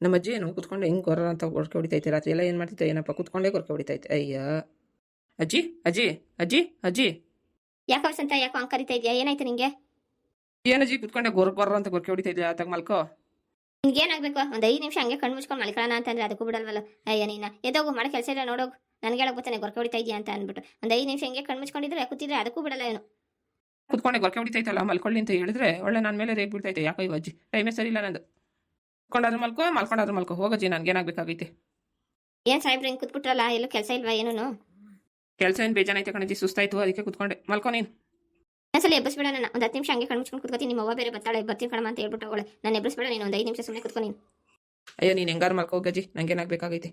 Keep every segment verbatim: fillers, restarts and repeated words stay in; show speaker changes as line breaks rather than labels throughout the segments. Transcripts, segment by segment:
ನಮ್ಮ ಅಜ್ಜಿ ಏನು ಕೂತ್ಕೊಂಡು ಹೆಂಗೆ ಗೊರ್ರ ಅಂತ ಗೊರಕೆ ಹೊಡಿತೈತೆ ರಾತ್ರಿ ಎಲ್ಲ ಏನು ಮಾಡ್ತಿದ್ದೆ ಏನಪ್ಪ ಕೂತ್ಕೊಂಡೇ ಗೊರಕೆ ಹೊಡಿತೈತೆ ಅಯ್ಯ ಅಜ್ಜಿ ಅಜ್ಜಿ ಅಜ್ಜಿ ಅಜ್ಜಿ
ಯಾಕೋ ವಸಂತ ಯಾಕೋ ಹಂಗೆ ಕರಿತಾ ಇದೆಯಾ? ಏನಾಯ್ತು ನಿಂಗೆ?
ಏನಜ್ಜಿ ಕೂತ್ಕೊಂಡೆ ಗೊರ ಗೊರ್ರ ಅಂತ ಗೊರಕೆ ಹೊಡಿತೈತೆ ತಗ ಮಲ್ಕೋ.
ನಿನ್ಗೆ ಏನಾಗಬೇಕು? ಒಂದು ಐದು ನಿಮಿಷ ಹಂಗೆ ಕಣ್ಣು ಮುಚ್ಕೊಂಡು ಮಲ್ಕೊಳ್ಳೋಣ ಅಂತಂದ್ರೆ ಅದಕ್ಕೂ ಬಿಡಲ್ವಲ್ಲ. ಅಯ್ಯ ನೀನು ಎದೋಗು, ಮಾಡೋ ಕೆಲಸ ಇಲ್ಲ ನೋಡೋಗು. ನನಗೆ ಹೇಳಕ್ ಬರ್ತಾನೆ ಗೊರಕೆ ಹೊಡಿತಾ ಇದೆಯಾ ಅಂತ ಅಂದ್ಬಿಟ್ಟು ಒಂದು ಐದು ನಿಮಿಷ ಹಂಗೆ ಕಣ್ಣು ಮುಚ್ಕೊಂಡಿದ್ರೆ ಕೂತಿದ್ರೆ ಅದಕ್ಕೂ ಬಿಡಲ್ಲ ಏನು.
ಕೂತ್ಕೊಂಡೆ ಗೊರಕೆ ಹೊಡಿತೈತಲ್ಲ ಮಲ್ಕೊಳ್ಳಿ ಅಂತ ಹೇಳಿದ್ರೆ ಒಳ್ಳೆ ನನ್ನ ಮೇಲೆ ರೇಗ್ ಬಿಡ್ತೈತೆ. ಯಾಕೋ ಇವ ಅಜ್ಜಿ ಟೈಮೇ ಸರಿ ಇಲ್ಲ ನಂದು. ಕೂತ್ಕೊಂಡಾದ್ರೂ ಮಲ್ಕೋ ಮಲ್ಕೊಂಡಾದ್ರೂ ಮಲ್ಕೋ. ಹೋಗಜ್ಜಿ ನನಗೇನಾಗಬೇಕಾಗೈತೆ?
ಏನು ಸಾಹೇಬ್ರು ಹಿಂಗೆ ಕೂತ್ಬಿಟ್ರಲ್ಲ, ಎಲ್ಲೂ ಕೆಲಸ ಇಲ್ವಾ ಏನೂ?
ಕೆಲಸ ಏನು ಬೇಜಾನೈತೆ ಕಣಜ್ಜಿ, ಸುಸ್ತಾಯ್ತು ಅದಕ್ಕೆ ಕೂತ್ಕೊಂಡೆ. ಮಲ್ಕೋ ನೀನು.
ಒಂದ್ಸಲ ಎಬ್ಬಿಸ್ಬೇಡ ನನ್ನ. ಒಂದು ಹತ್ತು ನಿಮಿಷ ಹಂಗೆ ಕಣ್ಣು ಮುಚ್ಕೊಂಡು ಕೂತ್ಕೊತೀನಿ. ನಿಮ್ಮ ಅವ್ವ ಬೇರೆ ಬರ್ತಾಳೆ, ಬರ್ತೀನಿ ಕಣಮ್ಮ ಅಂತ ಹೇಳ್ಬಿಟ್ಟು ಅವಳೆ. ನಾನು ಎಬ್ಬಿಸ್ಬೇಡ ನೀನು. ಒಂದು ಐದು ನಿಮಿಷ ಸುಮ್ಮನೆ ಕೂತ್ಕೊ ನೀನು.
ಅಯ್ಯೋ ನೀನು ಹೆಂಗಾರು ಮಲ್ಕೋ ಗಜ್ಜಿ, ನನಗೇನಾಗಬೇಕಾಗೈತೆ?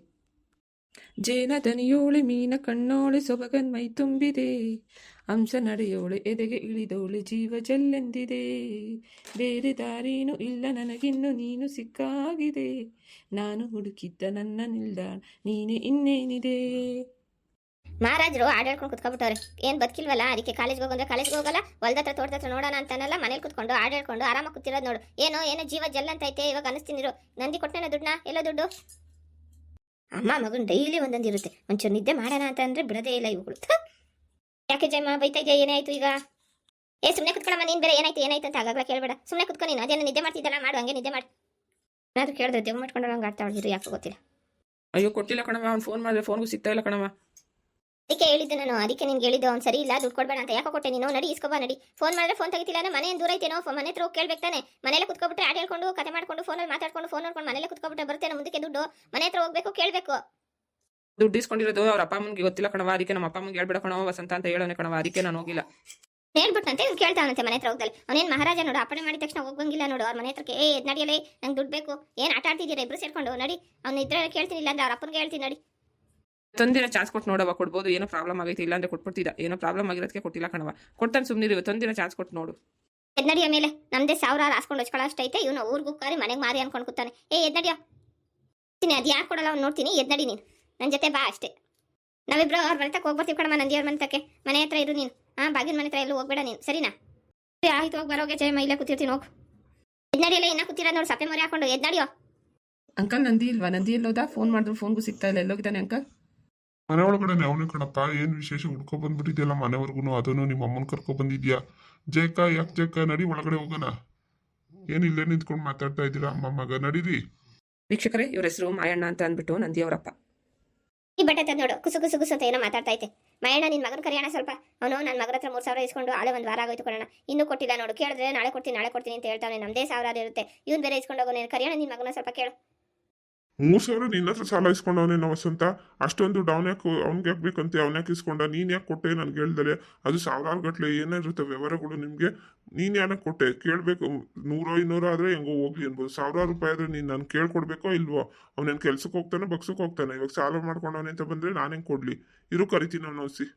ಜೇನ ದನಿಯೋಳೆ ಮೀನ ಕಣ್ಣೋಳೆ ಸೊಬಗನ್ ಮೈ ತುಂಬಿದೆ, ಅಂಶ ನಡೆಯೋಳೆ ಎದೆಗೆ ಇಳಿದೋಳೆ ಜೀವ ಜಲ್ಲೆಂದಿದೆ, ಬೇರೆ ದಾರಿನೂ ಇಲ್ಲ ನನಗಿನ್ನು ನೀನು ಸಿಕ್ಕಾಗಿದೆ, ನಾನು ಹುಡುಕಿದ್ದ ನನ್ನ ನಿಲ್ದಾಣ ನೀನೆ ಇನ್ನೇನಿದೆ.
ಮಹಾರಾಜರು ಆಡಾಡ್ಕೊಂಡು ಕುತ್ಕೊಬಿಟ್ಟವ್ರೆ. ಏನು ಬದುಕಿಲ್ವಲ್ಲ, ಅದಕ್ಕೆ ಕಾಲೇಜ್ಗೆ ಹೋಗಂದ್ರೆ ಕಾಲೇಜ್ಗೆ ಹೋಗಲ್ಲ, ಹೊಲ್ದ ಹತ್ರ ತೋಟದ ಹತ್ರ ನೋಡೋಣ ಅಂತಾನಲ್ಲ, ಮನೇಲಿ ಕುತ್ಕೊಂಡು ಆಡಾಡ್ಕೊಂಡು ಆರಾಮಾಗಿ ಕೂತಿರೋದು ನೋಡು. ಏನೋ ಏನೋ ಜೀವ ಜಲ್ ಅಂತೈತೆ ಇವಾಗ ಅನಿಸ್ತೀನಿರು. ನಂದಿ ಕೊಟ್ಟೆನ ದುಡ್ಡನ್ನ? ಎಲ್ಲೋ ದುಡ್ಡು? ಅಮ್ಮ ಮಗನ್ ಡೈಲಿ ಒಂದೊಂದು ಇರುತ್ತೆ. ಒಂಚೂರು ನಿದ್ದೆ ಮಾಡೋಣ ಅಂತ ಅಂದ್ರೆ ಬಿಡದೇ ಇಲ್ಲ ಇವುಗಳು. ಯಾಕೆ ಜಯಮ್ಮ ಬೈತಾ ಇದೆಯಾ? ಏನಾಯ್ತು ಈಗ? ಏ ಸುಮ್ಮನೆ ಕುತ್ಕೊಳ್ಳಮ್ಮ ನೀನು ಬೇರೆ. ಏನಾಯ್ತು ಏನಾಯ್ತು ಅಂತ ಆಗಾಗ್ಲಾ ಕೇಳಬೇಡ. ಸುಮ್ಮನೆ ಕುತ್ಕೊ ನೀನು. ಅದೇನೋ ನಿದ್ದೆ ಮಾಡ್ತಿದ್ದಲ್ಲ, ಮಾಡು ಹಂಗೆ ನಿದ್ದೆ ಮಾಡಿ. ಏನಾದ್ರು ಕೇಳಿದ್ರೆ ದೇವ್ ಮಾಡ್ಕೊಂಡು ಹಂಗೆ ಆಡ್ತಾ ಹೊಡ್ದಿರು. ಯಾಕೆ ಗೊತ್ತಿಲ್ಲ.
ಅಯ್ಯೋ ಕೊಟ್ಟಿಲ್ಲ ಕಣವ, ಅವ್ನು ಫೋನ್ ಮಾಡಿದ್ರೆ ಫೋನ್ಗೂ ಸಿಗ್ತಾ ಇಲ್ಲ ಕಣವ.
ಅದಕ್ಕೆ ಹೇಳಿದ್ದೆ ನಾನು, ಅದಕ್ಕೆ ನಿನ್ಗೆ ಹೇಳಿದ್ದು ಅವ್ನು ಸರಿ ಇಲ್ಲ, ದುಡ್ಡು ಕೊಡ್ಬೇಡ ಅಂತ. ಯಾಕೆ ಕೊಟ್ಟೆ ನೀನು? ನಡಿ ಇಸ್ಕೊಬಾ ನಡಿ. ಫೋನ್ ಮಾಡಿದ್ರೆ ಫೋನ್ ತೆಗಿತಿಲ್ಲ ಅಂದ್ರೆ ಮನೆ ದೂರ ಐತೇನೋ, ಮನೆ ಹತ್ರ ಹೋಗಿ ಕೇಳ್ಬೇಕು ತಾನೆ. ಮನೇಲೆ ಕುತ್ಕೊಬಿಟ್ರೆ ಆಡ್ ಹೇಳ್ಕೊಂಡು ಕತೆ ಮಾಡ್ಕೊಂಡು ಫೋನಲ್ಲಿ ಮಾತಾಡ್ಕೊಂಡು ಫೋನ್ ನೋಡ್ಕೊಂಡು ಮನೇಲೆ ಕುತ್ಕೊಬಿಟ್ರೆ ಬರ್ತೇನೆ ಮುಂದಕ್ಕೆ ದುಡ್ಡು. ಮನೆ ಹತ್ರ ಹೋಗ್ಬೇಕು, ಕೇಳಬೇಕು.
ದುಡ್ಡು ಇಸ್ಕೊಂಡಿರೋದು ಅವ್ರ ಅಪ್ಪ ಅಮ್ಮನಿಗೆ ಗೊತ್ತಿಲ್ಲ ಕಣವ, ಅದಕ್ಕೆ ನಮ್ಮ ಅಪ್ಪ ಅಮ್ಮನಿಗೆ ಹೇಳ್ಬೇಡ ಕಣವ ವಸಂತ ಅಂತ ಹೇಳೋನೆ ಕಣವ, ಅದಕ್ಕೆ ನಾನು ಹೋಗಿಲ್ಲ.
ಹೇಳ್ಬಿಟ್ಟಂತೆ ಇವ್ನು ಕೇಳ್ತಾವನಂತೆ ಮನೆ ಹತ್ರ ಹೋಗ್ದಲ್ಲ. ಅವನೇನು ಮಹಾರಾಜ ನೋಡು, ಅಪ್ಪಣೆ ಮಾಡಿದ ತಕ್ಷಣ ಹೋಗಂಗಿಲ್ಲ ನೋಡು ಅವ್ರ ಮನೆ ಹತ್ರಕ್ಕೆ. ಏ ಎದ್ ನಡಿಯಲೇ, ನಂಗೆ ದುಡ್ಡು ಬೇಕು. ಏನು ಆಟ ಆಡ್ತಿದ್ದೀರಾ ಇಬ್ರು ಸೇರ್ಕೊಂಡು? ನಡಿ. ಅವ್ನು ಇದ್ರೆ ಕೇಳ್ತೀನಿ, ಇಲ್ಲ ಅಂದ್ರೆ ಅವ್ರ ಅಪ್ಪನಿಗೆ ಹೇಳ್ತೀನಿ ನಡಿ.
ತಂದಿನ ಚಾನ್ಸ್ ಕೊಟ್ಟು ನೋಡವ, ಕೊಡ್ಬೋದು. ಏನೋ ಪ್ರಾಬ್ಲಮ್ ಆಗೈತೆ, ಇಲ್ಲಾಂದ್ರೆ ಕೊಟ್ಬಿಡ್ತಿದ್ದ. ಏನೋ ಪ್ರಾಬ್ಲಮ್ ಆಗಿರೋದಕ್ಕೆ ಕೊಟ್ಟಿಲ್ಲ ಕಣವ. ಕೊಡ್ತಾನೆ ಸುಮ್ಮನಿರು, ತಂದಿನ ಚಾನ್ಸ್ ಕೊಟ್ಟು ನೋಡು.
ಎದ್ ನಡಿಯ ಮೇಲೆ ನಮ್ದೇ ಸಾವಿರ ಹಾಸ್ಕೊಂಡು ಹಚ್ಕೊಳ್ಳೋ ಅಷ್ಟೈತೆ. ಇವನು ಊರ್ಗೂ ಕಾರಿ ಮನೆಗೆ ಮಾರಿ ಅನ್ಕೊಂಡು ಕೂತಾನೆ. ಏ ಎದ್ ನಡಿಯ. ಅದು ಯಾಕೆ ಕೊಡಲ್ಲ ಅವ್ನು ನೋಡ್ತೀನಿ. ಎದ್ ನಡಿ ನೀನು, ನನ್ನ ಜೊತೆ ಬಾ ಅಷ್ಟೇ. ನಾವಿಬ್ರು ಅವ್ರ ಮನೆ ತಕ್ಕ ಹೋಗ್ಬರ್ತೀವಿ ಕಣಮ್ಮ, ನಂದಿಯವ್ರ ಮನೆ ತಕ್ಕೆ. ಮನೆ ಹತ್ರ ಇರು ನೀನು. ಹಾಂ, ಬಾಗಿನ ಮನೆ ಹತ್ರ ಎಲ್ಲೂ ಹೋಗ್ಬೇಡ ನೀನು, ಸರಿನಾ? ಆಯ್ತು, ಹೋಗಿ ಬರೋಗೆ ಜಯಮ್ಮ, ಇಲ್ಲೇ ಕೂತಿರ್ತೀನಿ ಹೋಗು. ಎದ್ ನಡಿಯಲ್ಲ, ಇನ್ನ ಕೂತಿರೋದು ನೋಡು, ಸಪ್ಪೆ ಮರಿ ಹಾಕೊಂಡು. ಎದ್ ನಡಿಯೋ.
ಅಂಕಲ್ ನಂದಿ ಇಲ್ವಾ? ನಂದಿ ಎಲ್ಲೋದ? ಫೋನ್ ಮಾಡಿದ್ರು ಫೋನ್ಗೂ ಸಿಗ್ತಾ ಇಲ್ಲ. ಎಲ್ಲೋಗಿದ್ದಾನೆ ಅಂಕಲ್?
ಮನೆ ಒಳಗಡೆ ಅವನೇ ಕಣಪ್ಪ. ಏನ್ ವಿಶೇಷ? ಹುಡ್ಕೊ ಬಂದ್ಬಿಟ್ಟಿದ್ಯಲ್ಲ ಮನೆವರೆಗೂ, ಅದನ್ನು ನಿಮ್ಮ ಅಮ್ಮನ ಕರ್ಕೊ ಬಂದಿದ್ಯಾ? ಜಯಕ ಯಾಕೆ ಜಯಕ, ನಡಿ ಒಳಗಡೆ ಹೋಗೋಣ. ಏನ್ ಇಲ್ಲೇ ನಿಂತ್ಕೊಂಡು ಮಾತಾಡ್ತಾ ಇದ್ದೀರಾ ಅಮ್ಮ ಮಗ? ನಡೀರಿ.
ವೀಕ್ಷಕರೇ, ಇವ್ರ ಹೆಸರು ಮಾಯಣ್ಣ ಅಂತ ಅಂದ್ಬಿಟ್ಟು ನಂದಿ ಅವರಪ್ಪ.
ಈ ಬಟ್ಟೆ ತಂದು ನೋಡು, ಕುಸು ಕುಸು ಕುಸು ಅಂತ ಏನೋ ಮಾತಾಡ್ತಾ ಐತೆ. ಮಯಣ್ಣ ನಿನ್ನ ಮಗನ ಕರಿಯೋಣ ಸ್ವಲ್ಪ. ಅವನು ನನ್ನ ಮಗನ ಹತ್ರ ಮೂರು ಸಾವಿರ ಇಸ್ಕೊಂಡು ಆಳೆ ಒಂದು ವಾರ ಆಗೋಯ್ತು ಕೊಡೋಣ, ಇನ್ನೂ ಕೊಟ್ಟಿಲ್ಲ ನೋಡು. ಕೇಳಿದ್ರೆ ನಾಳೆ ಕೊಡ್ತೀನಿ ನಾಳೆ ಕೊಡ್ತೀನಿ ಅಂತ ಹೇಳ್ತಾನೆ. ನಮ್ಮದೇ ಸಾವಿರ ಇರುತ್ತೆ, ಇವ್ನು ಬೇರೆ ಇಸ್ಕೊಂಡು ಹೋಗೋ. ನೀನು ಕರಿಯೋಣ ನಿನ್ನ ಮಗನ ಸ್ವಲ್ಪ ಕೇಳು.
ಮೂರ್ ಸಾವಿರ ನಿನ್ನ ಹತ್ರ ಸಾಲ ಇಸ್ಕೊಂಡವನೇ ವಸಂತ. ಅಷ್ಟೊಂದು ಅವ್ನ ಯಾಕೆ ಅವ್ನಿಗೆ ಯಾಕೆ ಬೇಕಂತೆ? ಅವ್ನ್ಯಾಕೆ ಇಸ್ಕೊಂಡ? ನೀನ್ ಯಾಕೆ ಕೊಟ್ಟೆ ನನ್ಗೆ ಹೇಳ್ದಲೆ? ಅದು ಸಾವಿರಾರು ಗಟ್ಲೆ ಏನಿರುತ್ತೆ ವ್ಯವಹಾರಗಳು ನಿಮ್ಗೆ. ನೀನ್ ಯಾಕೆ ಕೊಟ್ಟೆ ಕೇಳ್ಬೇಕು. ನೂರೋ ಇನ್ನೂರೋ ಆದ್ರೆ ಹೆಂಗೋ ಹೋಗ್ಲಿ ಅನ್ಬೋದು. ಸಾವಿರಾರು ರೂಪಾಯಿ ಆದ್ರೆ ನೀನ್ ನಾನು ಕೇಳ್ಕೊಡ್ಬೇಕೋ ಇಲ್ವೋ? ಅವ್ನೇನ್ ಕೆಲ್ಸಕ್ಕೆ ಹೋಗ್ತಾನೆ ಬಗ್ಸಕ್ಕೆ ಹೋಗ್ತಾನೆ? ಇವಾಗ ಸಾಲ ಮಾಡ್ಕೊಂಡವನೇ ಅಂತ ಬಂದ್ರೆ ನಾನು ಹೆಂಗ್ ಕೊಡ್ಲಿ? ಇರು ಕರಿತೀನಿ ಅವ್ನು ಒಸಿ.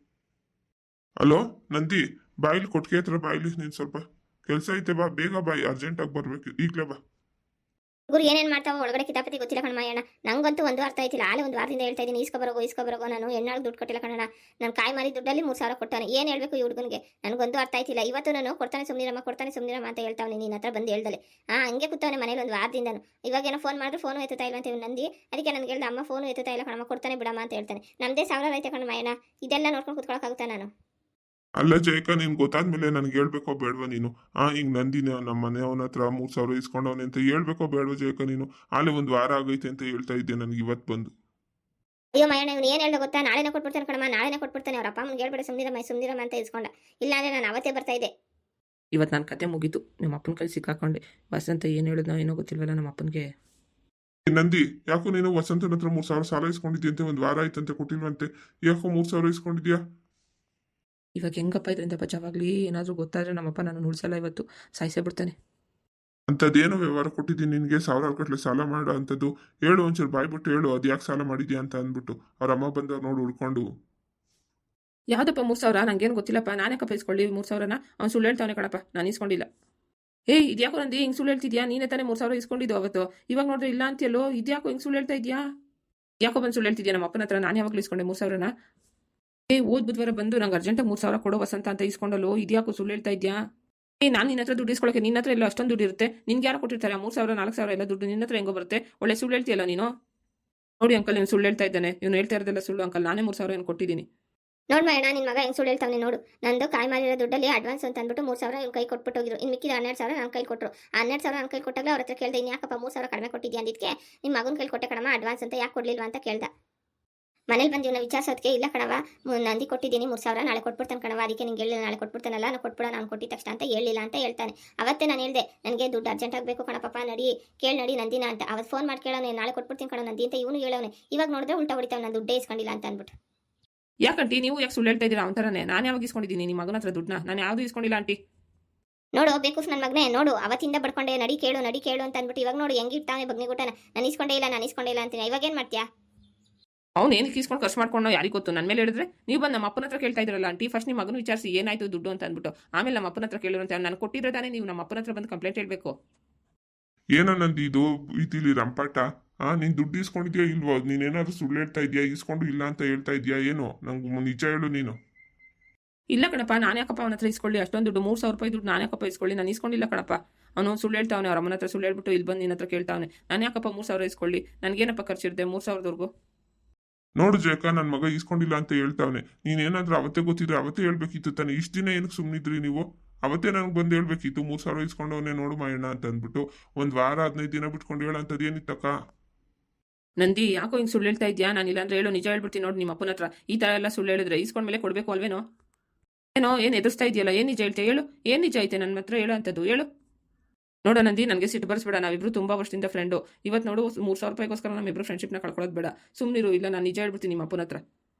ಹಲೋ ನಂದಿ, ಬಾಯಿಲಿ ಕೊಟ್ಟಿಗೆ ಹತ್ರ ಬಾಯಿಲಿ. ನೀನ್ ಸ್ವಲ್ಪ ಕೆಲಸ ಐತೆ, ಬಾ ಬೇಗ ಬಾಯಿ, ಅರ್ಜೆಂಟಾಗಿ ಬರ್ಬೇಕು ಈಗ್ಲೇ ಬಾ.
ಗುರು ಏನೇನು ಮಾಡ್ತಾವ ಒಳಗಡೆ ಕಿತಾಪತಿ ಗೊತ್ತಿಲ್ಲ ಕಣಮಯ್ಯಣ್ಣ. ನಂಗಂತೂ ಒಂದು ಅರ್ಥ ಆಯ್ತಿಲ್ಲ. ಆಲೆ ಒಂದು ವಾರದಿಂದ ಹೇಳ್ತಾ ಇದ್ದೀನಿ ಇಸ್ಕೊಬರೋಗೋ ಇಸ್ಕೊಬರೋಗೋ. ನಾನು ಎಣ್ಣಾಳು ದುಡ್ಡು ಕೊಟ್ಟಿಲ್ಲ ಕಣ. ನಾನು ಕಾಯಿ ಮಾರಿ ದುಡ್ಡಲ್ಲಿ ಮೂರು ಸಾವಿರ ಕೊಟ್ಟಾನೆ. ಏನು ಹೇಳ್ಬೇಕು ಈ ಹುಡುಗನಿಗೆ? ನನಗೊಂದು ಅರ್ಥ ಆಯ್ತಿಲ್ಲ. ಇವತ್ತು ನಾನು ಕೊಡ್ತಾನೆ ಸುಮ್ಮನಿರಮ್ಮ ಕೊಡ್ತಾನೆ ಸುಮ್ಮನಿರಮ್ಮ ಅಂತ ಹೇಳ್ತಾವನೆ. ನಿನ್ನ ಹತ್ರ ಬಂದು ಹೇಳ್ದಲೆ. ಹಾಂ, ಹಂಗೆ ಕೂತವನೆ ಮನೇಲಿ ಒಂದು ವಾರದಿಂದನು. ಇವಾಗ ಏನೋ ಫೋನ್ ಮಾಡಿದ್ರೆ ಫೋನು ಎತ್ತುತ್ತಾ ಇಲ್ಲ ಅಂತ ನಂದಿ. ಅದಕ್ಕೆ ನನಗೆ ಹೇಳ್ದೆ, ಅಮ್ಮ ಫೋನು ಎತ್ತುತ್ತಾ ಇಲ್ಲ ಕಣಮ್ಮ, ಕೊಡ್ತಾನೆ ಬಿಡಮ್ಮ ಅಂತ ಹೇಳ್ತಾನೆ. ನಮ್ಮದೇ ಸಾವಿರ ಐತೆ ಕಣಮಯ್ಯಣ್ಣ, ಇದೆಲ್ಲ ನೋಡ್ಕೊಂಡು ಕೂತ್ಕೊಳ್ಳೋಕ್ಕಾಗುತ್ತಾ ನಾನು?
ಅಲ್ಲ ಜಯಕ, ನಿನ್ ಗೊತ್ತಾದ್ಮೇಲೆ ನನ್ಗೆ ಹೇಳ್ಬೇಕೋ ಬೇಡವಾ ನೀನು? ಆ ಹಿಂಗ್ ನಂದಿನ ನಮ್ಮ ಮನೆಯವನ ಹತ್ರ ಮೂರ್ ಸಾವಿರ ಇಸ್ಕೊಂಡವನೆ ಅಂತ ಹೇಳ್ಬೇಕೋ ಬೇಡವಾ ಜಯಕ ನೀನು? ಆಲೆ ಒಂದ್ ವಾರ ಆಗೈತೆ ಅಂತ ಹೇಳ್ತಾ ಇದ್ದೆ ನನಗೆ ಇವತ್ತು ಬಂದು.
ಅಯ್ಯೋ ಮಯ್ಯಣ್ಣ, ಇವ್ನು ಏನು ಹೇಳ್ದೆ ಗೊತ್ತಾ? ನಾಳೆನೇ ಕೊಟ್ಬಿಡ್ತಾನೆ ಕಣಮ್ಮ, ನಾಳೆನೇ ಕೊಟ್ಬಿಡ್ತಾನೆ. ಅವ್ರ ಅಪ್ಪ ಅಮ್ಮನಿಗೆ ಹೇಳ್ಬೇಡ, ಸುಮ್ಮನಿರಮ್ಮ ಸುಮ್ಮನಿರಮ್ಮ ಅಂತ ಇಸ್ಕೊಂಡ. ಇಲ್ಲಾಂದ್ರೆ ನಾನು ಅವತ್ತೇ ಬರ್ತಾ ಇದ್ದೆ.
ಇವತ್ತು ನನ್ನ ಕತೆ ಮುಗೀತು. ನಮ್ಮ ಅಪ್ಪನ ಕೈ ಸಿಕ್ಕಾಕೊಂಡೆ. ವಸಂತ ಏನು ಹೇಳಿದ್ನೋ ಏನೋ ಗೊತ್ತಿಲ್ವಲ್ಲ ನಮ್ಮ ಅಪ್ಪನಿಗೆ.
ನಂದಿ, ಯಾಕೋ ನೀನು ವಸಂತನ ಹತ್ರ ಮೂರ್ ಸಾವಿರ ಸಾಲ ಇಸ್ಕೊಂಡಿದ್ಯಂತೆ, ಒಂದ್ ವಾರ ಆಯ್ತಂತೆ ಕೊಟ್ಟಿಲ್ವಂತೆ. ಯಾಕೋ ಮೂರ್ ಸಾವಿರ ಇಸ್ಕೊಂಡಿದ್ಯಾ?
ಇವಾಗ ಹೆಂಗಪ್ಪ ಇದರಿಂದ ಬಚಾವಾಗ್ಲಿ? ಏನಾದರೂ ಗೊತ್ತಾದ್ರೆ ನಮ್ಮಪ್ಪ ನಾನು ಉಳಿಸಲ್ಲ, ಇವತ್ತು ಸಾಯಿಸೇ ಬಿಡ್ತಾನೆ.
ಅಂಥದ್ದೇನೋ ವ್ಯವಹಾರ ಕೊಟ್ಟಿದ್ದೀನಿ ನಿನಗೆ, ಸಾವಿರಾರು ಗಟ್ಟಲೆ ಸಾಲ ಮಾಡೋ ಅಂಥದ್ದು? ಹೇಳು ಒಂಚೂರು ಬಾಯ್ಬಿಟ್ಟು ಹೇಳು, ಅದು ಯಾಕೆ ಸಾಲ ಮಾಡಿದ್ಯಾ ಅಂತ ಅಂದ್ಬಿಟ್ಟು. ಅವ್ರ ಅಮ್ಮ ಬಂದವ್ರು ನೋಡಿ ಹುಡ್ಕೊಂಡು.
ಯಾವುದಪ್ಪ ಮೂರು ಸಾವಿರ? ನಂಗೇನು ಗೊತ್ತಿಲ್ಲಪ್ಪ. ನಾನೇ ಕಪ್ಪ ಇಸ್ಕೊಳ್ಳಿ ಮೂರು ಸಾವಿರನ? ಅವ್ನು ಸುಳ್ಳು ಹೇಳ್ತಾವನೆ ಕಣಪ್ಪ, ನಾನು ಇಸ್ಕೊಂಡಿಲ್ಲ. ಏಯ್, ಇದ್ಯಾಕೋ ನಂದಿ ಹಿಂಗೆ ಸುಳ್ಳು ಹೇಳ್ತಿದ್ಯಾ? ನೀನೇ ತಾನೇ ಮೂರು ಸಾವಿರ ಇಸ್ಕೊಂಡಿದ್ದು ಅವತ್ತು. ಇವಾಗ ನೋಡಿದ್ರೆ ಇಲ್ಲ ಅಂತೀಯಲ್ಲೋ, ಇದ್ಯಾಕೋ ಹಿಂಗೆ ಸುಳ್ಳು ಹೇಳ್ತಾ ಇದೆಯಾ? ಯಾಕೋ ಬಂದು ಸುಳ್ಳು ಹೇಳ್ತಿದ್ಯಾ ನಮ್ಮ ಅಪ್ಪನ ಹತ್ರ? ನಾನು ಯಾವಾಗಲೂ ಇಸ್ಕೊಂಡೆ ಮೂರು ಸಾವಿರನ? ಏ ಓದ್ ಬುಧವಾರ ಬಂದು ನಂಗೆ ಅರ್ಜೆಂಟಾಗಿ ಮೂರು ಸಾವಿರ ಕೊಡೋ ವಸಂತ ಅಂತ ಇಸ್ಕೊಂಡಲ್ಲೋ, ಇದ್ಯಾಕೋ ಸುಳ್ಳು ಹೇಳ್ತಾ ಇದೆಯಾ? ಏ ನಾನು ನಿನ್ನ ಹತ್ರ ದುಡ್ಡು ಇಸ್ಕೊಳ್ಳೋಕೆ ನಿನ್ನ ಹತ್ರ ಎಲ್ಲ ಅಷ್ಟೊಂದು ದುಡ್ಡು ಇರುತ್ತೆ ನಿನ್ಗೆ ಯಾರು ಕೊಟ್ಟಿರ್ತಾರೆ ಮೂರು ಸಾವಿರ ನಾಲ್ಕು ಸಾವಿರ ಎಲ್ಲ ದುಡ್ಡು ನಿನ್ನ ಹತ್ರ ಹೆಂಗೋ ಬರುತ್ತೆ ಒಳ್ಳೆ ಸುಳ್ಳು ಹೇಳ್ತೀಯಲ್ಲ ನೀನು ನೋಡಿ ಅಂಕಲ್ ನೀನು ಸುಳ್ಳು ಹೇಳ್ತಾ ಇದ್ದಾನೆ ಇವನು ಹೇಳ್ತಾ ಇರೋದೆಲ್ಲ ಸುಳ್ಳು ಅಂಕಲ್ ನಾನೇ ಮೂರು ಸಾವಿರ ಏನು ಕೊಟ್ಟಿದ್ದೀನಿ
ನೋಡ್ ಅಣ್ಣ ನಿನ್ ಮಗ ಹೆಂಗ್ ಸುಳ್ಳು ಹೇಳ್ತಾವನೆ ನೋಡು ನಂದು ಕಾಯಿ ಮಾರಿರೋ ದುಡ್ಡಲ್ಲಿ ಅಡ್ವಾನ್ಸ್ ಅಂತ ಅಂದ್ಬಿಟ್ಟು ಮೂರು ಸಾವಿರ ಇವ್ನ ಕೈ ಕೊಟ್ಬಿಟ್ಟು ಹೋಗಿರು ಇನ್ನು ಮಿಕ್ಕಿದ ಹನ್ನೆರಡು ಸಾವಿರ ನನ್ನ ಕೈ ಕೊಟ್ಟರು ಹನ್ನೆರಡು ಸಾವಿರ ನನ್ನ ಕೈ ಕೊಟ್ಟಾಗ ಅವ್ರ ಹತ್ರ ಕೇಳ್ದೆ ಇನ್ನು ಯಾಕಪ್ಪ ಮೂರು ಸಾವಿರ ಕಡಿಮೆ ಕೊಟ್ಟಿದ್ಯಾ ಅಂದಿದ್ಕೆ ನಿಮ್ಮ ಮಗನ ಕೈ ಕೊಟ್ಟೆ ಕಣಮ್ಮ ಅಡ್ವಾನ್ಸ್ ಅಂತ ಯಾಕೆ ಕೊಡ್ಲಿಲ್ವಾ ಅಂತ ಕೇಳ್ದ ಮನೇಲಿ ಬಂದು ಇವನ್ನ ವಿಚಾರಿಸೋದಕ್ಕೆ ಇಲ್ಲ ಕಣವ ನಂದಿ ಕೊಟ್ಟಿದ್ದೀನಿ ಮೂರು ಸಾವಿರ ನಾಳೆ ಕೊಟ್ಬಿಡ್ತಾನೆ ಕಣವ ಅದಕ್ಕೆ ನಿಂಗೆ ಹೇಳಿಲ್ಲ ನಾಳೆ ಕೊಟ್ಬಿಡ್ತಾನಲ್ಲ ನಾನು ಕೊಟ್ಬಿಡ ನಾನು ಕೊಟ್ಟಿದ ತಕ್ಷಣ ಅಂತ ಹೇಳಿಲ್ಲ ಅಂತ ಹೇಳ್ತಾನೆ ಅವತ್ತೇ ನಾನು ಹೇಳ್ದೆ ನನಗೆ ದುಡ್ಡು ಅರ್ಜೆಂಟ್ ಆಗಬೇಕು ಕಣಪ್ಪ ನಡಿ ಕೇಳಿ ನಡಿ ನಂದಿನ ಅಂತ ಅವತ್ತು ಫೋನ್ ಮಾಡಿ ಕೇಳೋನೆ ನಾಳೆ ಕೊಟ್ಬಿಡ್ತೀನಿ ಕಣ ನಂದಿ ಅಂತ ಇವನು ಹೇಳೋನೆ ಇವಾಗ ನೋಡಿದ್ರೆ ಉಲ್ಟಾ ಹೊಡಿತಾವೆ ನಾನು ದುಡ್ಡೇ ಇಸ್ಕೊಂಡಿಲ್ಲ ಅಂತ ಅಂದ್ಬಿಟ್ಟು
ಯಾಕಂಟಿ ನೀವು ಯಾಕೆ ಸುಳ್ಳು ಹೇಳ್ತಾ ಇದ್ದೀರಾ ಅವನ ನಾನು ಯಾವಾಗ ಇಸ್ಕೊಂಡಿದ್ದೀನಿ ನಿಮ್ಮ ಮಗನ ಹತ್ರ ದುಡ್ಡನ್ನ ನಾನು ಯಾವುದು ಇಸ್ಕೊಂಡಿಲ್ಲ ಆಂಟಿ
ನೋಡು ಬೇಕು ನನ್ನ ಮಗನೇ ನೋಡು ಅವತ್ತಿಂದ ಬಡ್ಕೊಂಡೆ ನಡಿ ಕೇಳು ನಡಿ ಕೇಳು ಅಂತ ಅಂದ್ಬಿಟ್ಟು ಇವಾಗ ನೋಡು ಹೆಂಗೆ ಇರ್ತಾವೆ ಬಗ್ನಿಗುಟ್ಟನ ನಾನು ಇಸ್ಕೊಂಡೇ ಇಲ್ಲ ನಾನು ಇಸ್ಕೊಂಡೇ ಇಲ್ಲ ಅಂತೀನಿ ಇವಾಗ ಏನು ಮಾಡ್ತೀಯಾ
ಅವ್ನು ಏನಕ್ಕೆ ಇಸ್ಕೊಂಡು ಖರ್ಚು ಮಾಡ್ಕೊಂಡು ಯಾರಿಗೆ ಗೊತ್ತು ನನ್ನ ಮೇಲೆ ಹೇಳಿದ್ರೆ ನೀವು ಬಂದು ನಮ್ಮ ಅಪ್ಪನ ಹತ್ರ ಕೇಳ್ತಾ ಇದ್ರಲ್ಲ ಆಂಟಿ ಫಸ್ಟ್ ನಿಮ್ಮ ಮಗನ ವಿಚಾರಿಸಿ ಏನಾಯ್ತು ದುಡ್ಡು ಅಂತ ಅಂದ್ಬಿಟ್ಟು ಆಮೇಲೆ ನಮ್ಮ ಅಪ್ಪನ ಹತ್ರ ಕೇಳಿರಂತೆ ನಾನು ಕೊಟ್ಟಿದ್ರೆ ತಾನೇ ನೀವು ನಮ್ಮ ಅಪ್ಪನ ಹತ್ರ ಬಂದು ಕಂಪ್ಲೇಂಟ್ ಹೇಳಬೇಕು
ಏನೋ ನಂದು ಇದು ಇದಿಲ್ಲಿ ರಂಪಾಟ ಆ ನೀನ್ ದುಡ್ಡು ಇಸ್ಕೊಂಡಿದ್ಯಾ ಇಲ್ವೋ ನೀನೇನಾದ್ರೂ ಸುಳ್ಳು ಹೇಳ್ತಾ ಇದೆಯಾ ಇಸ್ಕೊಂಡು ಇಲ್ಲ ಅಂತ ಹೇಳ್ತಾ ಇದೆಯಾ ಏನೋ ನಂಗೆ ನಿಜ ಹೇಳು ನೀನು
ಇಲ್ಲ ಕಣಪ್ಪ ನಾನು ಯಾಕಪ್ಪ ಅವನ ಹತ್ರ ಇಸ್ಕೊಳ್ಳಿ ಅಷ್ಟೊಂದು ದುಡ್ಡು ಮೂರು ಸಾವಿರ ರೂಪಾಯಿ ದುಡ್ಡು ನಾನು ಯಾಕಪ್ಪ ಇಸ್ಕೊಳ್ಳಿ ನಾನು ಇಸ್ಕೊಂಡಿಲ್ಲ ಕಣಪ್ಪ ಅವನು ಸುಳ್ಳು ಹೇಳ್ತಾವನೆ ಅವ್ರ ಅಮ್ಮನ ಹತ್ರ ಸುಳ್ಳು ಹೇಳ್ಬಿಟ್ಟು ಇಲ್ಲಿ ಬಂದು ನಿನ್ನ ಹತ್ರ ಕೇಳ್ತಾವನೆ ನಾನು ಯಾಕಪ್ಪ ಮೂರು ಸಾವಿರ ಇಸ್ಕೊಳ್ಳಿ ನನಗೇನಪ್ಪ ಖರ್ಚಿರುತ್ತೆ ಮೂರು ಸಾವಿರದವರೆಗೂ
ನೋಡು ಜಯಕ ನನ್ನ ಮಗ ಇಸ್ಕೊಂಡಿಲ್ಲ ಅಂತ ಹೇಳ್ತಾವನೆ ನೀನೇನಾದ್ರೂ ಅವತ್ತೇ ಗೊತ್ತಿದ್ರೆ ಅವತ್ತೇ ಹೇಳ್ಬೇಕಿತ್ತು ತಾನೆ ಇಷ್ಟು ದಿನ ಏನಕ್ಕೆ ಸುಮ್ಮನಿದ್ರಿ ನೀವು ಅವತ್ತೇ ನನಗೆ ಬಂದು ಹೇಳ್ಬೇಕಿತ್ತು ಮೂರು ಸಾವಿರ ಇಸ್ಕೊಂಡವನೇ ನೋಡು ಮಾಯಣ್ಣ ಅಂತ ಅಂದ್ಬಿಟ್ಟು ಒಂದು ವಾರ ಹದಿನೈದು ದಿನ ಬಿಟ್ಕೊಂಡು ಹೇಳಂಥದ್ದು ಏನಿತ್ತಕ್ಕ
ನಂದಿ ಯಾಕೋ ಹಿಂಗೆ ಸುಳ್ಳು ಹೇಳ್ತಾ ಇದೆಯಾ ನಾನು ಇಲ್ಲಾಂದ್ರೆ ಹೇಳು ನಿಜ ಹೇಳ್ಬಿಡ್ತೀನಿ ನೋಡಿ ನಿಮ್ಮ ಅಪ್ಪನ ಹತ್ರ ಈ ಥರ ಎಲ್ಲ ಸುಳ್ಳು ಹೇಳಿದ್ರೆ ಇಸ್ಕೊಂಡ್ಮೇಲೆ ಕೊಡಬೇಕು ಅಲ್ವೇನೋ ಏನೋ ಏನು ಎದುರಿಸ್ತಾ ಇದೆಯಲ್ಲ ಏನು ನಿಜ ಹೇಳ್ತೆ ಹೇಳು ಏನು ನಿಜ ಐತೆ ನನ್ನ ಹತ್ರ ಹೇಳು ಅಂಥದ್ದು ಹೇಳು ನೋಡ ನಂದಿ ನನಗೆ ಸಿಟ್ಟು ಬರ್ಸ್ಬೇಡ ನಾವಿಬ್ರು ತುಂಬ ವರ್ಷದಿಂದ ಫ್ರೆಂಡು ಇವತ್ತು ನೋಡು ಮೂರು ಸಾವಿರ ರೂಪಾಯಿಗೋಸ್ಕರ ನಮ್ಮಿಬ್ರು ಫ್ರೆಂಡ್ಶಿಪ್ನ ಕಳ್ಕೊಳ್ಳೋದು ಬೇಡ ಸುಮ್ಮನಿರು ಇಲ್ಲ ನಾನು ನಿಜ ಹೇಳ್ಬಿಡ್ತೀನಿ ನಿಮ್ಮ ಅಪ್ಪನ ಹತ್ರ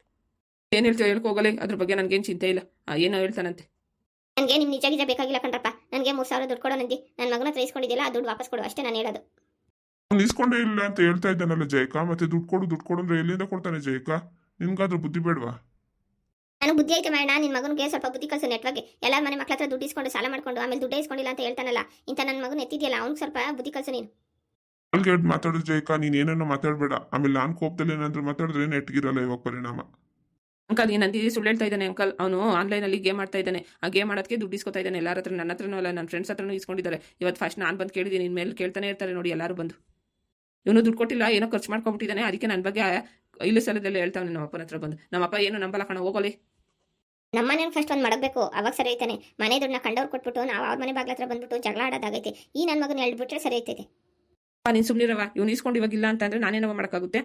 ಏನು ಹೇಳ್ತೀವಿ ಹೇಳ್ಕೋಗಲೇ ಅದ್ರ ಬಗ್ಗೆ ನನಗೇನು ಚಿಂತೆ ಇಲ್ಲ ಏನೋ ಹೇಳ್ತಾನಂತೆ
ನನಗೆ ನಿಮ್ಮ ನಿಜ ನಿಜ ಬೇಕಾಗಿಲ್ಲ ಕಣ್ರಪ್ಪ ನನಗೆ ಮೂರು ಸಾವಿರ ದುಡ್ಡು ಕೊಡೋ ನಂದಿ ನನ್ನ ಮಗನ ಹತ್ರ ಇಸ್ಕೊಂಡಿದ್ದಿಲ್ಲ ಆ ದುಡ್ಡು ವಾಪಸ್ ಕೊಡು ಅಷ್ಟೇ ನಾನು ಹೇಳೋದು
ಅವ್ನು ಇಸ್ಕೊಂಡೇ ಇಲ್ಲ ಅಂತ ಹೇಳ್ತಾ ಇದ್ದಾನಲ್ಲ ಜಯಕ ಮತ್ತೆ ದುಡ್ಡು ಕೊಡು ದುಡ್ಡು ಕೊಡು ಅಂದ್ರೆ ಎಲ್ಲಿಂದ ಕೊಡ್ತಾನೆ ಜಯಕ ನಿಮ್ಗಾದ್ರೂ ಬುದ್ಧಿ ಬೇಡವಾ
ನಾನು ಬುದ್ಧಿ ಐತೆ ಮಾಡೋಣ ನಿನ್ನ ಮಗನಿಗೆ ಸ್ವಲ್ಪ ಬುದ್ಧಿ ಕಲಿಸು ನೆಟ್ವರ್ಗೆ ಎಲ್ಲ ಮನೆ ಮಕ್ಳ ಹತ್ರ ದುಡ್ಡು ಇಸ್ಕೊಂಡು ಸಾಲ ಮಾಡ್ಕೊಂಡು ಆಮೇಲೆ ದುಡ್ಡೇ ಇಸ್ಕೊಂಡಿಲ್ಲ ಅಂತ ಹೇಳ್ತಾನಲ್ಲ ಇಂಥ ನನ್ನ ಮಗನ ಎತ್ತಿದೆಯಲ್ಲ ಅವ್ನಿಗೆ ಸ್ವಲ್ಪ ಬುದ್ಧಿ ಕಲಿಸು ನೀನು
ಅಲ್ಗೆ ಮಾತಾಡೋ ಜಯಕ ನೀನ್ ಏನೇನೋ ಮಾತಾಡ್ಬೇಡ ಆಮೇಲೆ ನಾನು ಕೋಪದಲ್ಲಿ ಏನಾದ್ರೂ ಮಾತಾಡಿದ್ರೆ ನೆಟ್ಗಿರಲ್ಲ ಇವಾಗ ಪರಿಣಾಮ
ಅಂಕಲ್ ಏನು ನಂದಿ ಸುಳ್ಳು ಹೇಳ್ತಾ ಇದ್ದಾನೆ ಅಂಕಲ್ ಅವನು ಆನ್ಲೈನಲ್ಲಿ ಗೇಮ್ ಮಾಡ್ತಾ ಇದ್ದಾನೆ ಆ ಗೇಮ್ ಮಾಡೋದಕ್ಕೆ ದುಡ್ಡು ಇಸ್ಕೊತಾ ಇದ್ದಾನೆ ಎಲ್ಲರ ಹತ್ರ ನನ್ನ ಹತ್ರನೂ ಅಲ್ಲ ನನ್ನ ಫ್ರೆಂಡ್ಸ್ ಹತ್ರನೂ ಇಸ್ಕೊಂಡಿದ್ದಾರೆ ಇವತ್ತು ಫಸ್ಟ್ ನಾನು ಬಂದು ಕೇಳಿದ್ದೀನಿ ಇನ್ಮೇಲೆ ಕೇಳ್ತಾನೆ ಇರ್ತಾರೆ ನೋಡಿ ಎಲ್ಲರೂ ಬಂದು ಇವನು ದುಡ್ಡು ಕೊಟ್ಟಿಲ್ಲ ಏನೋ ಖರ್ಚು ಮಾಡ್ಕೊಂಬಿಟ್ಟಿದ್ದಾನೆ ಅದಕ್ಕೆ ನನ್ನ ಬಗ್ಗೆ ಇಲ್ಲ ಸಲದಲ್ಲೇ ಹೇಳ್ತಾವನೆ ನಮ್ಮ ಅಪ್ಪನ ಹತ್ರ ಬಂದು ನಮ್ಮಪ್ಪ ಏನು ನಂಬಲ್ಲ ಕಣ ಹೋಗೋಲಿ
ನಮ್ಮ ಮನೇಲಿ ಫಸ್ಟ್ ಒಂದು ಮಾಡಬೇಕು ಅವಾಗ ಸರಿ ಐತಾನೆ ಮನೆ ದುಡ್ಡನ್ನ ಕಂಡವ್ರು ಕೊಟ್ಬಿಟ್ಟು ನಾವು ಅವ್ರ ಮನೆ ಬಾಗ್ಲ ಹತ್ರ ಬಂದ್ಬಿಟ್ಟು ಜಗಳ ಆಡೋದಾಗೈತೆ ಈ ನನ್ನ ಮಗನ ಹೇಳ್ಬಿಟ್ರೆ ಸರಿ ಐತೈತೆ
ನೀನು ಸುಮ್ಮನಿರವ ಇವ್ನು ಇಸ್ಕೊಂಡು ಇವಾಗಿಲ್ಲ ಅಂತಂದ್ರೆ ನಾನೇನವ ಮಾಡೋಕ್ಕಾಗುತ್ತೆ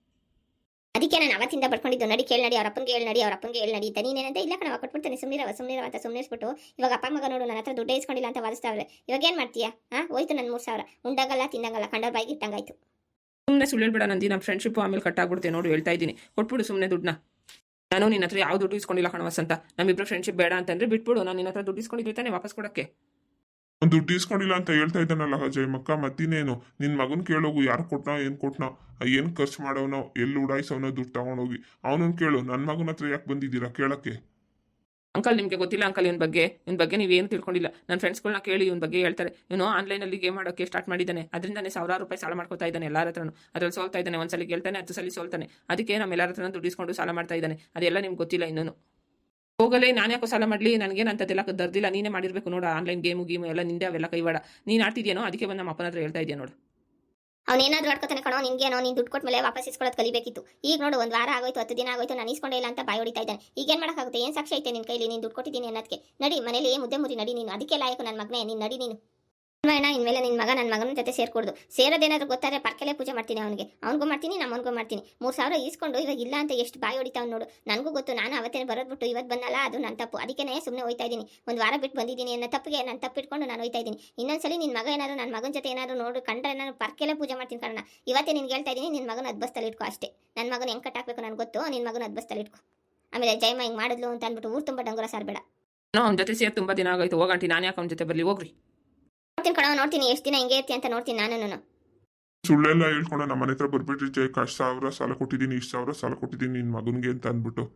ಅದಕ್ಕೆ ನಾನು ಅವತ್ತಿಂದ ಬಡ್ಕೊಂಡಿದ್ದು ನಡಿ ಕೇಳಿ ನಡಿ ಅವ್ರ ಅಪ್ಪನಿಗೆ ಹೇಳಿ ನಡಿ ಅವ್ರ ಅಪ್ಪನಿಗೆ ಹೇಳಿ ನಡಿ ಅಂತ ನೀನೇನಂತ ಇಲ್ಲ ಕಣ ಕೊಟ್ಬಿಡ್ತಾನೆ ಸುಮ್ಮನಿರವ ಸುಮ್ಮನಿರವ ಅಂತ ಸುಮ್ಮನಿಸ್ಬಿಟ್ಟು ಇವಾಗ ಅಪ್ಪ ಮಗ ನೋಡು ನನ್ನ ಹತ್ರ ದುಡ್ಡೇ ಇಸ್ಕೊಂಡಿಲ್ಲ ಅಂತ ವಾದಿಸ್ತಾವ್ರೆ ಇವಾಗ ಏನು ಮಾಡ್ತೀಯಾ ಹಾಂ ಹೋಯ್ತು ನನ್ನ ಮೂರು ಸಾವಿರ ಉಂಡಾಗಲ್ಲ ತಿಂದಂಗಲ್ಲ ಕಂಡವ್ರ ಬಾಯಿಗೆ ಇಟ್ಟಂಗಾಯ್ತು
ಸುಮ್ಮನೆ ಸುಳ್ಳು ಹೇಳ್ಬೇಡ ನಂದಿ ನಮ್ಮ ಫ್ರೆಂಡ್ಶಿಪ್ ಆಮೇಲೆ ಕಟ್ಟಾಗ್ಬಿಡುತ್ತೆ ನೋಡಿ ಹೇಳ್ತಾ ಇದ್ದೀನಿ ಕೊಟ್ಬಿಡು ಸುಮ್ಮನೆ ದುಡ್ಡನ್ನ ನಾನು ನಿನ್ನ ಹತ್ರ ಯಾವ ದುಡ್ಡು ಇಸ್ಕೊಂಡಿಲ್ಲ ಕಣವಸ್ ಅಂತ ನಮ್ಮಿಬ್ರು ಫ್ರೆಂಡ್ಶಿಪ್ ಬೇಡ ಅಂತಂದ್ರೆ ಬಿಟ್ಬಿಡು ನಾನು ನಿನ್ನ ಹತ್ರ ದುಡ್ಡು ಇಸ್ಕೊಂಡಿದ್ದೆ ತಾನೆ ವಾಪಸ್ ಕೊಡಕ್ಕೆ
ಒಂದು ದುಡ್ಡು ಇಸ್ಕೊಂಡಿಲ್ಲ ಅಂತ ಹೇಳ್ತಾ ಇದ್ದಾನಲ್ಲ ಅಜಯ್ ಮಕ್ಕ ಮತ್ತಿನೇನು ನಿನ್ ಮಗನ್ ಕೇಳೋಗು ಯಾರು ಕೊಟ್ನೋ ಏನ್ ಕೊಟ್ನೋ ಏನ್ ಖರ್ಚು ಮಾಡೋನೋ ಎಲ್ಲಿ ಉಡಾಯಿಸೋನೋ ದುಡ್ಡು ತಗೊಂಡೋಗಿ ಅವನನ್ನ ಕೇಳು ನನ್ನ ಮಗನ ಹತ್ರ ಯಾಕೆ ಬಂದಿದ್ದೀರಾ ಕೇಳಕ್ಕೆ
ಅಂಕಲ್ ನಿಮಗೆ ಗೊತ್ತಿಲ್ಲ ಅಂಕಲ್ ಇವನ ಬಗ್ಗೆ ಇವನ ಬಗ್ಗೆ ನೀವೇನು ತಿಳ್ಕೊಂಡಿಲ್ಲ ನನ್ನ ಫ್ರೆಂಡ್ಸ್ಗಳನ್ನ ಕೇಳಿ ಇವನ ಬಗ್ಗೆ ಹೇಳ್ತಾರೆ ಇವನು ಆನ್ಲೈನಲ್ಲಿ ಗೇಮ್ ಮಾಡೋಕ್ಕೆ ಸ್ಟಾರ್ಟ್ ಮಾಡಿದ್ದಾನೆ ಅದರಿಂದನೇ ಸಾವಿರಾರು ರೂಪಾಯಿ ಸಾಲ ಮಾಡ್ಕೊತಾ ಇದ್ದಾನೆ ಎಲ್ಲರ ಹತ್ರನೂ ಅದ್ರಲ್ಲಿ ಸೋಲ್ತಾ ಇದ್ದಾನೆ ಒಂದ್ಸಲಿ ಗೆಲ್ತಾನೆ ಹತ್ತು ಸಲ ಸೋಲ್ತಾನೆ ಅದಕ್ಕೆ ನಮ್ಮ ಎಲ್ಲರ ಹತ್ರನೂ ದುಡ್ಡು ಇಸ್ಕೊಂಡು ಸಾಲ ಮಾಡ್ತಾ ಇದ್ದಾನೆ ಅದೆಲ್ಲ ನಿಮ್ಗೆ ಗೊತ್ತಿಲ್ಲ ಇನ್ನೂ ಹೋಗಲೇ ನಾನು ಯಾಕೋ ಸಾಲ ಮಾಡಲಿ ನನಗೇನು ಅಂತದೆಲ್ಲ ದರ್ದಿಲ್ಲ ನೀನೇ ಮಾಡಿರಬೇಕು ನೋಡು ಆನ್ಲೈನ್ ಗೇಮು ಗೇಮು ಎಲ್ಲ ನಿಂದೆ ಅವೆಲ್ಲ ಕೈವಾಡ ನೀನು ಆಡ್ತಿದ್ಯೇನೋ ಅದಕ್ಕೆ ಬಂದು ನಮ್ಮ ಅಪ್ಪನ ಹತ್ರ ಹೇಳ್ತಾ ಇದೆಯಾ ನೋಡು
ಅವನೇನಾದ್ರೂ ಆಡ್ಕೊತಾನೆ ಕಣೋ ನಿನ್ಗೇನೋ ನೀನು ದುಡ್ಡು ಕೊಟ್ಟ ಮೇಲೆ ವಾಪಸ್ ಇಸ್ಕೊಳ್ಳೋದು ಕಲಿಬೇಕಿತ್ತು ಈಗ ನೋಡು ಒಂದು ವಾರ ಆಗೋಯ್ತು ಹತ್ತು ದಿನ ಆಗೋಯ್ತು ನಾನು ಇಸ್ಕೊಂಡೇ ಇಲ್ಲ ಅಂತ ಬಾಯಿ ಹೊಡಿತಾ ಇದ್ದಾನೆ ಈಗ ಏನು ಮಾಡೋಕ್ಕಾಗುತ್ತೆ ಏನು ಸಾಕ್ಷಿ ಐತೆ ನಿನ್ನ ಕೈಲಿ ನೀನು ದುಡ್ಡು ಕೊಟ್ಟಿದ್ದೀನಿ ಅನ್ನೋದಕ್ಕೆ ನಡಿ ಮನೇಲಿ ಮುದ್ದೆ ಮುರಿ ನಡಿ ನೀನು ಅದಕ್ಕೆ ಲಾಯಕು ನನ್ನ ಮಗನೇ ನೀನು ನಡಿ ನೀನು ಅಣ್ಣ ಇನ್ಮೇಲೆ ನಿನ್ನ ಮಗ ನನ್ನ ಮಗನ ಜೊತೆ ಸೇರ್ಕೊಡ್ದು ಸೇರೋದೇನಾದ್ರೂ ಗೊತ್ತಾರೆ ಪರ್ಕೆಲೆ ಪೂಜೆ ಮಾಡ್ತೀನಿ ಅವನಿಗೆ ಅವ್ನಿಗೂ ಮಾಡ್ತೀನಿ ನಮ್ಮನಿಗೂ ಮಾಡ್ತೀನಿ ಮೂರು ಸಾವಿರ ಈಸ್ಕೊಂಡು ಇವಾಗ ಇಲ್ಲ ಅಂತ ಎಷ್ಟು ಬಾಯಿ ಹೊಡಿತಾವ್ ನೋಡು ನನಗೂ ಗೊತ್ತು ನಾನು ಅವತ್ತೇ ಬರೋದ್ಬಿಟ್ಟು ಇವತ್ತು ಬಂದಲ್ಲ ಅದು ನನ್ನ ತಪ್ಪು ಅದಕ್ಕೆ ಸುಮ್ಮನೆ ಹೋಯ್ತಾ ಇದ್ದೀನಿ ಒಂದು ವಾರ ಬಿಟ್ಟು ಬಂದಿದ್ದೀನಿ ಅನ್ನೋ ತಪ್ಪಿಗೆ ನಾನು ತಪ್ಪಿಟ್ಕೊಂಡು ನಾನು ಹೋಯ್ತಾ ಇದ್ದೀನಿ ಇನ್ನೊಂದ್ಸಲಿ ನಿನ್ನ ಮಗ ಏನಾದ್ರು ನನ್ನ ಮಗನ ಜೊತೆ ಏನಾದ್ರು ನೋಡು ಕಂಡ್ರೆ ನಾನು ಪರ್ಕೆಲೆ ಪೂಜೆ ಮಾಡ್ತೀನಿ ಕಾರಣ ಇವತ್ತೇ ನಿನ್ಗೆ ಹೇಳ್ತಾ ಇದ್ದೀನಿ ನಿನ್ನ ಮಗನ ಅದ್ಬಸ್ತಲ್ಲಿ ಇಟ್ಕೋ ಅಷ್ಟೇ ನನ್ನ ಮಗನ ಹೆಂಗೆ ಕಟ್ಟಾಕಬೇಕು ನನಗೆ ಗೊತ್ತು ನಿನ್ನ ಮಗನ ಅದ್ಬಸ್ತಲ್ಲಿ ಇಟ್ಕೋ ಆಮೇಲೆ ಜಯಮ್ಮ ಹಿಂಗೆ ಮಾಡಿದ್ಲು ಅಂತ ಅಂದ್ಬಿಟ್ಟು ಊರು ತುಂಬ ಡಂಗುರ ಸಾರಬೇಡ
ಅವ್ನ ಜೊತೆ ಸೇರಿ ತುಂಬ ದಿನ ಆಗೋಯ್ತು ಹೋಗಂಟಿ ನಾನು ಯಾಕೆ ಅವ್ನ ಜೊತೆ ಬರಲಿ ಹೋಗ್ರಿ
ನೋಡ್ತೀನಿ ಕಣ ನೋಡ್ತೀನಿ ಎಷ್ಟು ದಿನ ಹಿಂಗೆ ಇರ್ತಿ ಅಂತ ನೋಡ್ತೀನಿ ನಾನು
ಸುಳ್ಳೆಲ್ಲ ಹೇಳ್ಕೊಂಡು ನಮ್ಮ ಮನೆ ಹತ್ರ ಬರ್ಬಿಟ್ರಿ ಜೈ ಅಷ್ಟು ಸಾವಿರ ಸಾಲ ಕೊಟ್ಟಿದ್ದೀನಿ ಇಷ್ಟು ಸಾವಿರ ಸಾಲ ಕೊಟ್ಟಿದ್ದೀನಿ ನಿನ್ನ ಮಗನಿಗೆ ಅಂತ ಅಂದ್ಬಿಟ್ಟು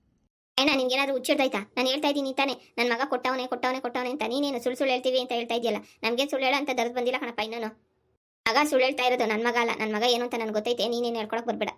ಅಣ್ಣ ನಿನ್ಗೇನಾದ್ರು ಹುಚ್ಚಿಡ್ದಾಯ್ತಾ ನಾನು ಹೇಳ್ತಾ ಇದ್ದೀನಿ ತಾನೆ ನನ್ನ ಮಗ ಕೊಟ್ಟವನೇ ಕೊಟ್ಟವನೇ ಕೊಟ್ಟವನೇ ಅಂತ ನೀನೇನು ಸುಳ್ಳು ಸುಳ್ಳು ಹೇಳ್ತೀವಿ ಅಂತ ಹೇಳ್ತಾ ಇದೆಯಲ್ಲ ನಮಗೆ ಸುಳ್ಳು ಹೇಳ ಅಂತ ದರ್ದು ಬಂದಿಲ್ಲ ಕಣಪ್ಪ ಇನ್ನೂ ಮಗ ಸುಳ್ಳು ಹೇಳ್ತಾ ಇರೋದು ನನ್ನ ಮಗ ಅಲ್ಲ ನನ್ನ ಮಗ ಏನು ಅಂತ ನನಗೆ ಗೊತ್ತೈತೆ ನೀನೇನು ಹೇಳ್ಕೊಳಕ್ ಬರ್ಬೇಡ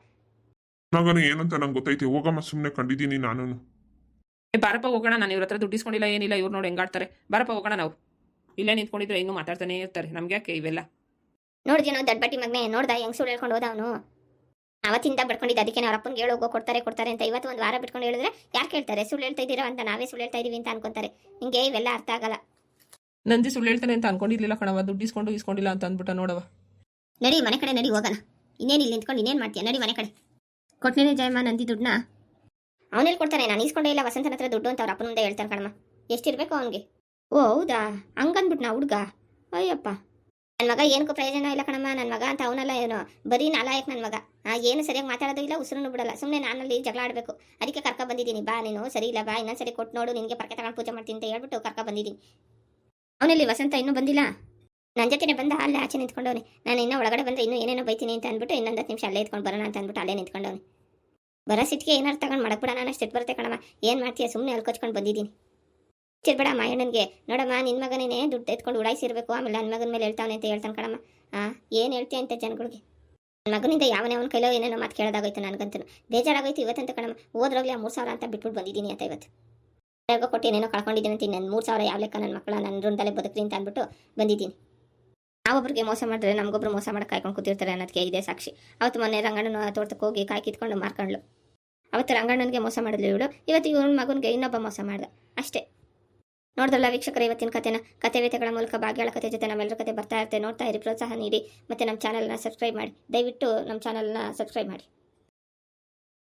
ಮಗನ ಏನು ಅಂತ ನಂಗೆ ಗೊತ್ತೈತೆ ಹೋಗಮ್ಮ ಸುಮ್ಮನೆ ಕಂಡಿದ್ದೀನಿ ನಾನು
ಬಾರಪ್ಪ ಹೋಗೋಣ ನಾನು ಇವ್ರ ಹತ್ರ ದುಡ್ಡು ಇಸ್ಕೊಂಡಿಲ್ಲ ಏನಿಲ್ಲ ಇವ್ರು ನೋಡಿ ಹೆಂಗಾಡ್ತಾರೆ ಬಾರಪ್ಪ ಹೋಗೋಣ ನಾವು ಇಲ್ಲೇ ನಿಂತ್ಕೊಂಡಿದ್ರೆ ಇನ್ನೂ ಮಾತಾಡ್ತಾನೆ ಇರ್ತಾರೆ. ನಮ್ಗೆ ಯಾಕೆ ಇವೆಲ್ಲ?
ನೋಡಿದ್ಯೇನೋ ದಡ್ಬಟ್ಟಿ ಮಗನೇ, ನೋಡ್ದ ಹೆಂಗ್ ಸುಳ್ಳು ಹೇಳ್ಕೊಂಡು ಹೋದ ಅವನು. ಅವತ್ತಿಂದ ಬಡ್ಕೊಂಡಿದ್ದ, ಅದಕ್ಕೆ ಅವ್ರ ಅಪ್ಪನಿಗೆ ಹೇಳೋಗೋ ಕೊಡ್ತಾರೆ ಕೊಡ್ತಾರೆ ಅಂತ. ಇವತ್ತು ಒಂದು ವಾರ ಬಿಟ್ಕೊಂಡು ಹೇಳಿದ್ರೆ ಯಾರು ಕೇಳ್ತಾರೆ? ಸುಳ್ಳು ಹೇಳ್ತಾ ಇದ್ದೀರಾ ಅಂತ ನಾವೇ ಸುಳ್ಳು ಹೇಳ್ತಾ ಇದೀವಿ ಅಂತ ಅನ್ಕೊಂತಾರೆ. ನಿಂಗೆ ಇವೆಲ್ಲ ಅರ್ಥ ಆಗಲ್ಲ.
ನಂದಿ ಸುಳ್ಳು ಹೇಳ್ತಾನೆ ಅಂತ ಅನ್ಕೊಂಡಿರ್ಲಿಲ್ಲ ಕಣವ. ದುಡ್ಡು ಇಸ್ಕೊಂಡು ಇಸ್ಕೊಂಡಿಲ್ಲ ಅಂತ ಅಂದ್ಬಿಟ್ಟ ನೋಡವ.
ನಡಿ ಮನೆ ಕಡೆ ನಡಿ ಹೋಗೋಣ. ಇನ್ನೇನು ಇಲ್ಲಿ ನಿಂತ್ಕೊಂಡು ಇನ್ನೇನು ಮಾಡ್ತೀಯ? ನಡಿ ಮನೆ ಕಡೆ. ಕೊಟ್ನೇನೆ ಜಯಮ್ಮ ನಂದಿ ದುಡ್ಡನ್ನ. ಅವನಲ್ಲಿ ಕೊಡ್ತಾನೆ, ನಾನು ಇಸ್ಕೊಂಡೇ ಇಲ್ಲ ವಸಂತನ ಹತ್ರ ದುಡ್ಡು ಅಂತ ಅವ್ರ ಅಪ್ಪನ ಮುಂದೆ ಹೇಳ್ತಾನೆ ಕಣಮ್ಮ. ಎಷ್ಟಿರ್ಬೇಕು ಅವನಿಗೆ? ಓ ಹೌದಾ, ಹಂಗಂದ್ಬಿಟ್ನಾ ಹುಡುಗ? ಅಯ್ಯಪ್ಪ, ನನ್ನ ಮಗ ಏನಕ್ಕೂ ಪ್ರಯೋಜನ ಇಲ್ಲ ಕಣಮ್ಮ. ನನ್ನ ಮಗ ಅಂತ ಅವನಲ್ಲ, ಏನೋ ಬರೀ ನಾಲಾಯಕ್ ನನ್ನ ಮಗ. ಆ ಏನು ಸರಿಯಾಗಿ ಮಾತಾಡೋದು ಇಲ್ಲ, ಉಸಿರನ್ನು ಬಿಡಲ್ಲ. ಸುಮ್ಮನೆ ನಾನಲ್ಲಿ ಜಗಳ ಆಡಬೇಕು, ಅದಕ್ಕೆ ಕರ್ಕ ಬಂದಿದ್ದೀನಿ. ಬಾ ನೀನು ಸರಿ ಇಲ್ಲ, ಬಾ ಇನ್ನೊಂದ್ಸರಿ ಕೊಟ್ಟು ನೋಡು, ನಿನಗೆ ಪರ್ಕೆ ತಗೊಂಡು ಪೂಜೆ ಮಾಡ್ತೀನಿ ಅಂತ ಹೇಳ್ಬಿಟ್ಟು ಕರ್ಕ ಬಂದಿದ್ದೀನಿ. ಅವನಲ್ಲಿ ವಸಂತ ಇನ್ನೂ ಬಂದಿಲ್ಲ. ನನ್ನ ಜೊತೆನೇ ಬಂದ ಅಲ್ಲೇ ಆಚೆ ನಿಂತ್ಕೊಂಡವನೆ. ನಾನು ಇನ್ನೂ ಒಳಗಡೆ ಬಂದರೆ ಇನ್ನೂ ಏನೇನೋ ಬೈತೀನಿ ಅಂತ ಅಂದ್ಬಿಟ್ಟು ಇನ್ನೊಂದು ಹತ್ತು ನಿಮಿಷ ಅಲ್ಲೇ ಇದ್ಕೊಂಡು ಬರೋಣ ಅಂತ ಅಂದ್ಬಿಟ್ಟು ಅಲ್ಲೇ ನಿಂತ್ಕೊಂಡವನೆ. ಬರೋ ಸಿಟ್ಟಿಗೆ ಏನಾರು ತಗೊಂಡು ಮಾಡಕ್ಬಿಡ, ನಾನು ಅಷ್ಟು ಸಿಟ್ಟು ಬರುತ್ತೆ ಕಣಮ್ಮ. ಏನು ಮಾಡ್ತೀಯ? ಸುಮ್ಮನೆ ಅಲ್ಕೊಚ್ಕೊಂಡು ಬಂದಿದ್ದೀನಿ. ಚಿರ್ಬೇಡ ಮಾಯಣ್ಣನಿಗೆ. ನೋಡಮ್ಮ, ನಿನ್ನ ಮಗನೇ ದುಡ್ಡು ಎತ್ಕೊಂಡು ಉಡಾಯಿಸಿರ್ಬೇಕು, ಆಮೇಲೆ ನನ್ನ ಮಗನ ಮೇಲೆ ಹೇಳ್ತಾವನೆ ಅಂತ ಹೇಳ್ತಾನೆ ಕಣಮ್ಮ. ಹಾಂ, ಏನು ಹೇಳ್ತೀಯ ಅಂತ ಜನಗಳಿಗೆ? ನನ್ನ ಮಗನಿಂದ ಯಾವನೇ ಅವನ ಕೈಲೋ ಏನೇನೋ ಮಾತು ಕೇಳೋದಾಗೋಯ್ತು ನನಗಂತೂ. ಬೇಜಾರಾಗೋಯ್ತು ಇವತ್ತಂತ ಕಣಮ್ಮ. ಹೋದ್ರಾಗಲಿ ಆ ಮೂರು ಸಾವಿರ ಅಂತ ಬಿಟ್ಬಿಟ್ಟು ಬಂದಿದ್ದೀನಿ ಅಂತ ಇವತ್ತು. ಯಾರಿಗೋ ಕೊಟ್ಟು ಏನೇನೋ ಕಳ್ಕೊಂಡಿದ್ದೀನಿ ಅಂತ ನನ್ನ ಮೂರು ಸಾವಿರ ಯಾವ ಲೆಕ್ಕ ನನ್ನ ಮಕ್ಕಳ ನನ್ನ ಋಣದಲ್ಲೇ ಬದುಕ್ರಿ ಅಂತ ಅಂದ್ಬಿಟ್ಟು ಬಂದಿದ್ದೀನಿ. ನಾವೊಬ್ರಿಗೆ ಮೋಸ ಮಾಡಿದ್ರೆ ನಮಗೊಬ್ರು ಮೋಸ ಮಾಡಿ ಕಾಯ್ಕೊಂಡು ಕೂತಿರ್ತಾರೆ ಅನ್ನೋದಕ್ಕೆ ಇದೆ ಸಾಕ್ಷಿ. ಅವತ್ತು ಮೊನ್ನೆ ರಂಗಣ್ಣನ ತೋಟಕ್ಕೆ ಹೋಗಿ ಕಾಯಿ ಕಿತ್ಕೊಂಡು ಮಾರ್ಕೊಂಡ್ಲು. ಅವತ್ತು ರಂಗಣ್ಣನಿಗೆ ಮೋಸ ಮಾಡಿದ್ಲು ಇವಳು, ಇವತ್ತು ಇವಳ ಮಗನಿಗೆ ಇನ್ನೊಬ್ಬ ಮೋಸ ಮಾಡ್ದ ಅಷ್ಟೇ. ನೋಡಿದ್ರಲ್ಲ ವೀಕ್ಷಕರ ಇವತ್ತಿನ ಕಥೆನ. ಕಥೆ ವೇತೆಗಳ ಮೂಲಕ ಭಾಗ್ಯಗಳ ಕಥೆ ಜೊತೆ ನಮ್ಮೆಲ್ಲರ ಕಥೆ ಬರ್ತಾ ಇರುತ್ತೆ. ನೋಡ್ತಾ ಇರಿ, ಪ್ರೋತ್ಸಾಹ ನೀಡಿ, ಮತ್ತು ನಮ್ಮ ಚಾನಲ್ನ ಸಬ್ಸ್ಕ್ರೈಬ್ ಮಾಡಿ. ದಯವಿಟ್ಟು ನಮ್ಮ ಚಾನಲ್ನ ಸಬ್ಸ್ಕ್ರೈಬ್ ಮಾಡಿ.